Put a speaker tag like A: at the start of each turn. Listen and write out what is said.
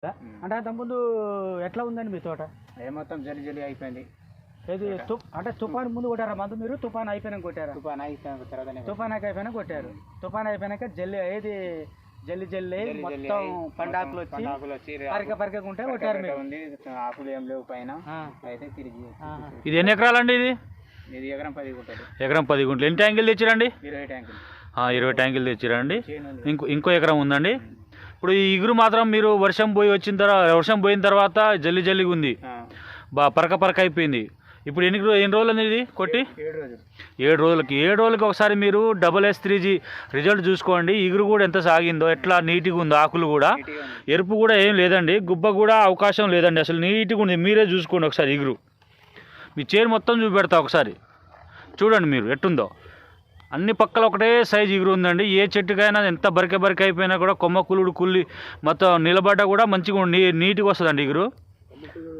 A: అంటే అంతకుముందు ఎట్లా ఉందండి మీ తోట?
B: మొత్తం జల్లి జల్లి అయిపోయింది.
A: ఏది అంటే తుఫాన్ ముందు కొట్టారా మందు మీరు? తుఫాన్ అయిపోయినాక కొట్టారా?
B: తుఫాన్ అయిపోయిన తర్వాత
A: తుఫాన్ అయిపోయినాక కొట్టారు. తుఫాన్ అయిపోయినాక జల్లి ఏది జల్లి జల్లి మొత్తం పండాకులు వచ్చి పరికకుంటే కొట్టారు మీరు.
B: ఆకులు ఏం లేవు పైన అయితే తిరిగి.
C: ఇది ఎన్ని ఎకరాలండి?
B: ఇది ఎకరం 10 గుంటలు.
C: ఎకరం 10 గుంటలు. ఎన్ని ట్యాంకులు తెచ్చిరండి?
B: 20 ట్యాంకులు.
C: 20 ట్యాంకులు తెచ్చిరండి. ఇంకో ఎకరం ఉందండి. ఇప్పుడు ఈ ఇగురు మాత్రం మీరు వర్షం పోయిన తర్వాత జల్లి జల్లిగా ఉంది, పరక అయిపోయింది. ఇప్పుడు ఎన్ని రోజులు అనేది ఇది కొట్టి? 7 రోజులకి. 7 రోజులకి ఒకసారి మీరు SS3G రిజల్ట్ చూసుకోండి. ఇగురు కూడా ఎంత సాగిందో, ఎట్లా నీట్గా ఉందో, ఆకులు కూడా ఎరుపు కూడా ఏం లేదండి, గుబ్బ కూడా అవకాశం లేదండి, అసలు నీట్గా ఉంది. మీరే చూసుకోండి ఒకసారి ఇగురు. మీ చేను మొత్తం చూపెడతా ఒకసారి చూడండి మీరు ఎట్టుందో. అన్ని పక్కల ఒకటే సైజు ఇగురు ఉందండి. ఏ చెట్టుకైనా ఎంత బరిక అయిపోయినా కూడా కొమ్మ కుల్లి మొత్తం నిలబడ్డా కూడా మంచిగా నీట్గా వస్తుందండి ఇగురు.